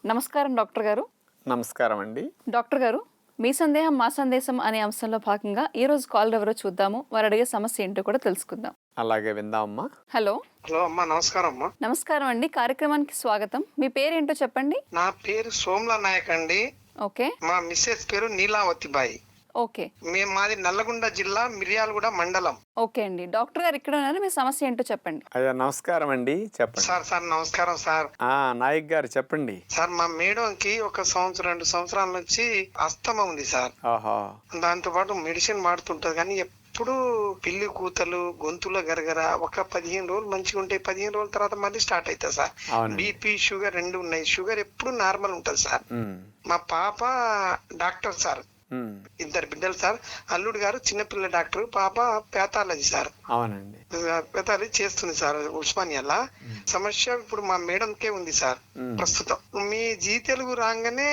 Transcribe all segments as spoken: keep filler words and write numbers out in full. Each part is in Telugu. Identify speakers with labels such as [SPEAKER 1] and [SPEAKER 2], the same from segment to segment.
[SPEAKER 1] నమస్కారం డాక్టర్ గారు.
[SPEAKER 2] నమస్కారం అండి.
[SPEAKER 1] డాక్టర్ గారు, మీ సందేహం మా సందేశం అనే అంశంలో భాగంగా ఈ రోజు కాల్ ఎవరో చూద్దాము. వారు అడిగే సమస్య ఏంటో కూడా తెలుసుకుందాం.
[SPEAKER 2] అలాగే విందామమ్మా.
[SPEAKER 1] హలో.
[SPEAKER 3] హలో అమ్మా, నమస్కారం అమ్మా.
[SPEAKER 1] నమస్కారం అండి, కార్యక్రమానికి స్వాగతం. మీ పేరేంటో చెప్పండి.
[SPEAKER 3] నా పేరు సోమ్లా నాయక్ అండి.
[SPEAKER 1] ఓకే.
[SPEAKER 3] మా మిస్సెస్ పేరు నీలావతి బాయి.
[SPEAKER 1] ఓకే.
[SPEAKER 3] మేము మాది నల్లగొండ జిల్లా మిర్యాలగూడ మండలం.
[SPEAKER 1] ఓకే అండి, డాక్టర్ గారు ఇక్కడ ఉన్నారు. మీ సమస్య ఏంటో చెప్పండి.
[SPEAKER 2] అయ్యా నమస్కారం అండి, చెప్పండి.
[SPEAKER 3] సార్ సార్ నమస్కారం సార్.
[SPEAKER 2] ఆ నాయక్ గారు చెప్పండి.
[SPEAKER 3] సార్ మా మేడంకి ఒక సంవత్సరం రెండు సంవత్సరాల నుంచి అస్తమా ఉంది సార్.
[SPEAKER 2] ఓహో.
[SPEAKER 3] దాంతో పాటు మెడిసిన్ వాడుతుంటది కానీ ఎప్పుడు పిల్లి కూతలు, గొంతుల గరగర. ఒక పదిహేను రోజులు మంచిగా ఉంటాయి, పదిహేను రోజుల తర్వాత మళ్ళీ స్టార్ట్ అవుతుంది సార్.
[SPEAKER 2] అవునండి.
[SPEAKER 3] బీపీ షుగర్ రెండు ఉన్నాయి. షుగర్ ఎప్పుడు నార్మల్ ఉంటది సార్.
[SPEAKER 2] ఉమ్,
[SPEAKER 3] మా పాప డాక్టర్ సార్,
[SPEAKER 2] ఉమ్,
[SPEAKER 3] ఇద్దరు బిడ్డలు సార్. అల్లుడు గారు చిన్నపిల్ల డాక్టర్, పాప పేతాలజీ సార్.
[SPEAKER 2] అవునండి.
[SPEAKER 3] పేతాలజీ చేస్తుంది సార్ ఉస్మానియాలా. సమస్య ఇప్పుడు మా మేడంకే ఉంది సార్
[SPEAKER 2] ఉమ్.
[SPEAKER 3] ప్రస్తుతం. మీ జీ తెలుగు రాగానే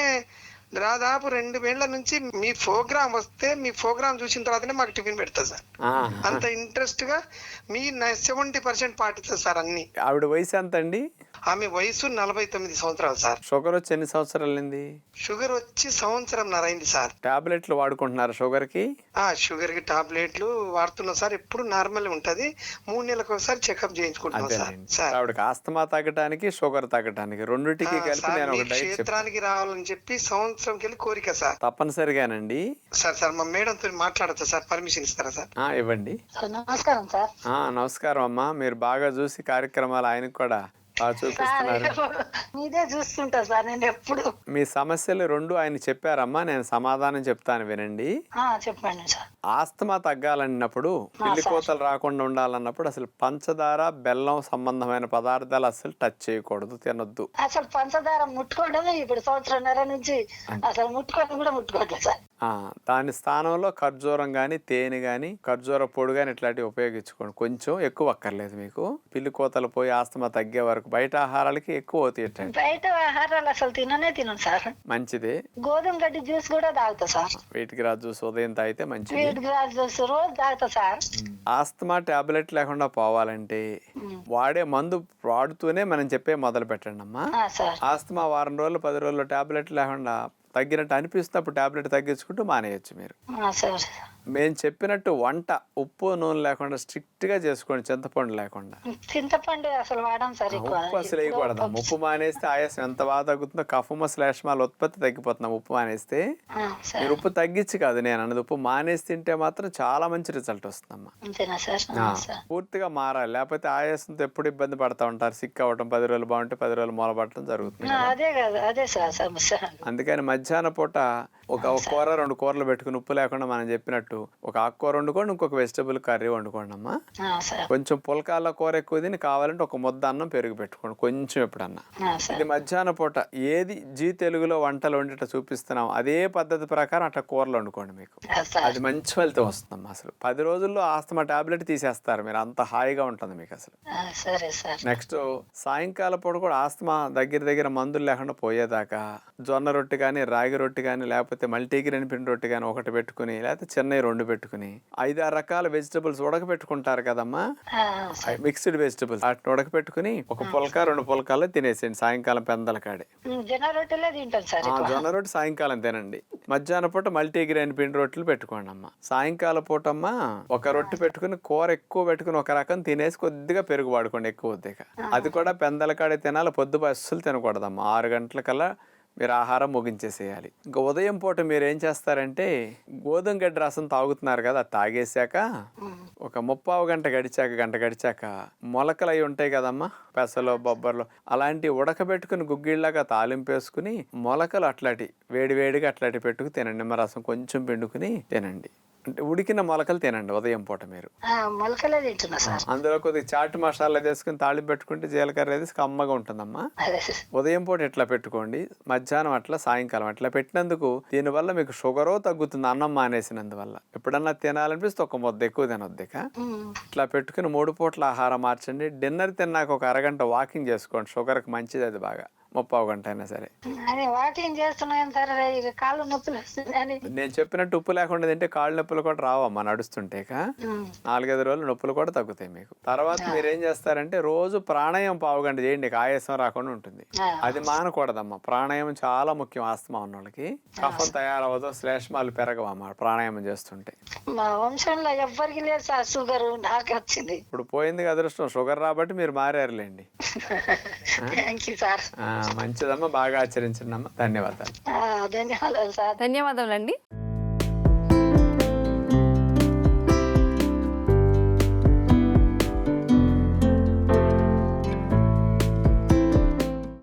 [SPEAKER 3] దాదాపు రెండు వేళ్ల నుంచి మీ ప్రోగ్రామ్ వస్తే మీ ప్రోగ్రామ్ చూసిన తర్వాతనే మాకు టిఫిన్ పెడతా సార్.
[SPEAKER 2] ఆ,
[SPEAKER 3] అంత ఇంట్రెస్ట్ గా మీ సెవెంటీ పర్సెంట్ పాటిస్తుంది సార్ అన్ని.
[SPEAKER 2] ఆవిడ వయసు ఎంత అండి?
[SPEAKER 3] ఆమె వయసు నలభై తొమ్మిది సంవత్సరాలు సార్.
[SPEAKER 2] షుగర్ వచ్చి ఎన్ని సంవత్సరాలైంది?
[SPEAKER 3] షుగర్ వచ్చి సంవత్సరం అయింది సార్.
[SPEAKER 2] టాబ్లెట్లు వాడుకుంటున్నారు షుగర్ కి?
[SPEAKER 3] ఆ షుగర్ కి టాబ్లెట్లు వాడుతున్నాం సార్. ఎప్పుడు నార్మల్ ఉంటది. మూడు నెలలకు ఒకసారి చెకప్ చేయించుకుంటున్నాం సార్.
[SPEAKER 2] అదేనండి.
[SPEAKER 3] సార్
[SPEAKER 2] ఆవిడకి ఆస్తమా తగ్గడానికి షుగర్ తగ్గడానికి రెండింటికి
[SPEAKER 3] ఆ,
[SPEAKER 2] కలిపి
[SPEAKER 3] సార్,
[SPEAKER 2] నేను
[SPEAKER 3] మీ
[SPEAKER 2] ఒక డైట్ చెప్తాను.
[SPEAKER 3] క్షేత్రానికి రావాలని చెప్పి సంవత్సరంకి వెళ్ళి కోరిక సార్.
[SPEAKER 2] తప్పనిసరిగానండి.
[SPEAKER 3] సార్ సార్ మా మేడం తో మాట్లాడతా సార్, పర్మిషన్ ఇస్తారా సార్?
[SPEAKER 2] ఆ ఇవ్వండి.
[SPEAKER 4] నమస్కారం సార్.
[SPEAKER 2] ఆ నమస్కారం అమ్మా. మీరు బాగా చూసి కార్యక్రమాలు ఆయనకు కూడా బాగా చూపిస్తున్నారు.
[SPEAKER 4] మీదే చూస్తుంటా సార్ నేను ఎప్పుడు.
[SPEAKER 2] మీ సమస్యలు రెండు ఆయన చెప్పారమ్మా, నేను సమాధానం చెప్తాను వినండి.
[SPEAKER 4] ఆ, చెప్పండి సార్.
[SPEAKER 2] ఆస్తమా తగ్గాలన్నప్పుడు, పిల్లి కోతలు రాకుండా ఉండాలన్నప్పుడు అసలు పంచదార, బెల్లం సంబంధమైన పదార్థాలు అసలు టచ్ చేయకూడదు, తినొద్దు.
[SPEAKER 4] అసలు పంచదార ముట్టుకోవడమే ఇప్పుడు సంవత్సరంన్నర నుంచి అసలు ముట్టుకోవడం కూడా ముట్టుకోవట్లేదు సార్.
[SPEAKER 2] ఆ దాని స్థానంలో ఖర్జూరం గాని, తేనె గాని, ఖర్జూర పొడి గాని ఇట్లాంటివి ఉపయోగించుకోండి. కొంచెం ఎక్కువ అక్కర్లేదు మీకు. పిల్లి కోతలు పోయి ఆస్తమా తగ్గే వరకు బయట ఆహారాలకి ఎక్కువ తీయండి.
[SPEAKER 4] బయట ఆహారాలు అసలు తిననే తినను సార్.
[SPEAKER 2] మంచిదే.
[SPEAKER 4] గోధుమ గడ్డి జ్యూస్ కూడా తాగుతా సార్.
[SPEAKER 2] వీటికి రాజు జ్యూస్ ఉదయం తాగితే మంచిది.
[SPEAKER 4] వీటి గ్లాస్ జ్యూస్ రోజు తాగుతా సార్.
[SPEAKER 2] ఆస్తమా టాబ్లెట్ లేకుండా పోవాలంటే వాడే మందు వాడుతూనే మనం చెప్పే మొదలు పెట్టండి అమ్మా.
[SPEAKER 4] ఆ, సార్.
[SPEAKER 2] ఆస్తమా వారం రోజులు పది రోజులు టాబ్లెట్ లేకుండా తగ్గినట్టు అనిపిస్తుంది, అప్పుడు టాబ్లెట్ తగ్గించుకుంటూ మానేయచ్చు మీరు.
[SPEAKER 4] ఆ, సార్.
[SPEAKER 2] మేము చెప్పినట్టు వంట ఉప్పు నూనె లేకుండా స్ట్రిక్ట్ గా చేసుకోండి, చింతపండు లేకుండా.
[SPEAKER 4] చింతపండు అసలు వాడం సార్ ఎక్కువ.
[SPEAKER 2] ఉప్పు అసలు వేయకూడదు. ఉప్పు మానేస్తే ఆయాసం ఎంత బాగా తగ్గుతుందో, కఫము శ్లేష్మాల ఉత్పత్తి తగ్గిపోతున్నాం ఉప్పు మానేస్తే.
[SPEAKER 4] ఆ, సార్.
[SPEAKER 2] మీరు ఉప్పు తగ్గించి కాదు నేను అన్నది, ఉప్పు మానేసి తింటే మాత్రం చాలా మంచి రిజల్ట్ వస్తుందమ్మా.
[SPEAKER 4] అంతేనా సార్?
[SPEAKER 2] ఆ,
[SPEAKER 4] ఆ, సార్.
[SPEAKER 2] పూర్తిగా మారాలి, లేకపోతే ఆయాసంతో ఎప్పుడు ఇబ్బంది పడతా ఉంటారు. సిక్ అవ్వటం, పది రోజులు బాగుంటే పది రోజులు మూలపడటం జరుగుతుంది
[SPEAKER 4] ఆ,
[SPEAKER 2] కదా.
[SPEAKER 4] అదే కదా, అదే సార్ సమస్య.
[SPEAKER 2] అందుకని మధ్యాహ్న పూట ఒక ఒక కూర రెండు కూరలు పెట్టుకుని ఉప్పు లేకుండా మనం చెప్పినట్టు ఒక ఆకుకూర వండుకోండి, ఇంకొక వెజిటబుల్ కర్రీ వండుకోండి అమ్మా.
[SPEAKER 4] ఆ, సార్.
[SPEAKER 2] కొంచెం పులకాల కూర ఎక్కువ తిని కావాలంటే ఒక ముద్ద అన్నం పెరుగు పెట్టుకోండి కొంచెం ఎప్పుడన్నా.
[SPEAKER 4] ఆ, సార్.
[SPEAKER 2] ఇది మధ్యాహ్న పూట ఏది జీ తెలుగులో వంటలు వండిట చూపిస్తున్నాం అదే పద్ధతి ప్రకారం అట్లా కూరలు వండుకోండి, మీకు
[SPEAKER 4] ఆ, సార్.
[SPEAKER 2] అది మంచి ఫలితం వస్తుందమ్మా. అసలు పది రోజుల్లో ఆస్తమా టాబ్లెట్ తీసేస్తారు మీరు, అంత హాయిగా ఉంటుంది మీకు అసలు.
[SPEAKER 4] ఆ, సరే సార్.
[SPEAKER 2] నెక్స్ట్ సాయంకాలం పూట కూడా ఆస్తమా దగ్గర దగ్గర మందులు లేకుండా పోయేదాకా జొన్న రొట్టె కానీ, రాగి రొట్టె కానీ, లేకపోతే మల్టీగ్రెయిన్ పిండి రొట్టె కానీ ఒకటి పెట్టుకుని, లేకపోతే చెన్నై రెండు పెట్టుకుని, ఐదారు రకాల వెజిటబుల్స్ ఉడకపెట్టుకుంటారు కదమ్మా,
[SPEAKER 4] ఆ, సార్.
[SPEAKER 2] మిక్స్డ్ వెజిటబుల్స్ వాటిని ఉడకపెట్టుకుని ఒక పులక రెండు పులకాలు తినేసేయండి సాయంకాలం పెందల కాడే.
[SPEAKER 4] ఉమ్, జొన్న రొట్టెలే తింటాను సార్
[SPEAKER 2] ఆ
[SPEAKER 4] ఎక్కువ.
[SPEAKER 2] జొన్న రొట్టె సాయంకాలం తినండి. మధ్యాహ్నం పూట మల్టీగ్రెయిన్ పిండి రొట్టెలు పెట్టుకోండి అమ్మా. సాయంకాలం పూట అమ్మా ఒక రొట్టె పెట్టుకుని కూర ఎక్కువ పెట్టుకుని ఒక రకం తినేసి కొద్దిగా పెరుగు వాడుకోండి ఎక్కువ కొద్దిగా. అది కూడా పెందల కాడే తినాలి, పొద్దు అస్సలు తినకూడదమ్మా. ఆరు గంటలకల్లా మీరు ఆహారం ముగించేసేయాలి. ఇంకా ఉదయం పూట మీరు ఏం చేస్తారంటే గోధుమ గడ్డి రసం తాగుతున్నారు కదా, అది తాగేసాక ఒక ముప్పావు గంట గడిచాక గంట గడిచాక మొలకలు అవి ఉంటాయి కదమ్మా, పెసలు బొబ్బర్లు అలాంటివి ఉడకబెట్టుకుని గుగ్గిళ్ళగా తాలింపు వేసుకుని మొలకలు అట్లాంటి వేడి వేడిగా అట్లాంటి పెట్టుకు తినండి. నిమ్మరసం కొంచెం పిండుకుని తినండి. అంటే ఉడికిన మొలకలు తినండి ఉదయం పూట మీరు.
[SPEAKER 4] ఆ, మొలకలే తింటున్నా సార్.
[SPEAKER 2] అందులో కొద్దిగా చాట్ మసాలా వేసుకుని తాళింపు పెట్టుకుంటే జీలకర్ర వేసి కమ్మగా ఉంటుందమ్మా.
[SPEAKER 4] అదే.
[SPEAKER 2] ఉదయం పూట ఇట్లా పెట్టుకోండి, మధ్యాహ్నం అట్లా, సాయంకాలం అట్లా పెట్టినందుకు దీనివల్ల మీకు షుగరో తగ్గుతుంది అన్నం మానేసినందువల్ల. ఎప్పుడన్నా తినాలనిపిస్తే ఒక ముద్ద ఎక్కువ తినొద్దిక.
[SPEAKER 4] ఉమ్,
[SPEAKER 2] ఇట్లా పెట్టుకుని మూడు పూట్ల ఆహారం మార్చండి. డిన్నర్ తిన్నాక ఒక అరగంట వాకింగ్ చేసుకోండి, షుగర్కి మంచిది అది బాగా. ముప్పావు గంట అయినా సరే.
[SPEAKER 4] అదే వాకింగ్ చేస్తున్నాను సార్, ఇక కాళ్ళు నొప్పులు వస్తున్నాయని.
[SPEAKER 2] నేను చెప్పినట్టు ఉప్పు లేకుండా తింటే కాళ్ళు నొప్పులు కూడా రావమ్మా నడుస్తుంటేక. నాలుగైదు రోజులు నొప్పులు కూడా తగ్గుతాయి మీకు. తర్వాత మీరు ఏం చేస్తారంటే రోజు ప్రాణాయామం పావు గంట చేయండి, ఆయాసం రాకుండా ఉంటుంది. అది మానకూడదమ్మా. ప్రాణాయామం చాలా ముఖ్యం. ఆస్తమా ఉన్న వాళ్ళకి కఫం తయారవదు, శ్లేష్మాలు పెరగవమ్మా ప్రాణాయామం చేస్తుంటే.
[SPEAKER 4] మా వంశంలో ఎవ్వరికి లేదు సార్ షుగర్, నాకు వచ్చింది.
[SPEAKER 2] ఇప్పుడు పోయింది అదృష్టం, షుగర్ రాబట్టి మీరు మారారులేండి.
[SPEAKER 4] Thank you sir.
[SPEAKER 2] మంచిదమ్మా, బాగా ఆచరించండి అమ్మా. ధన్యవాదాలు.
[SPEAKER 4] ధన్యవాదాలు సార్.
[SPEAKER 1] ధన్యవాదాలండి.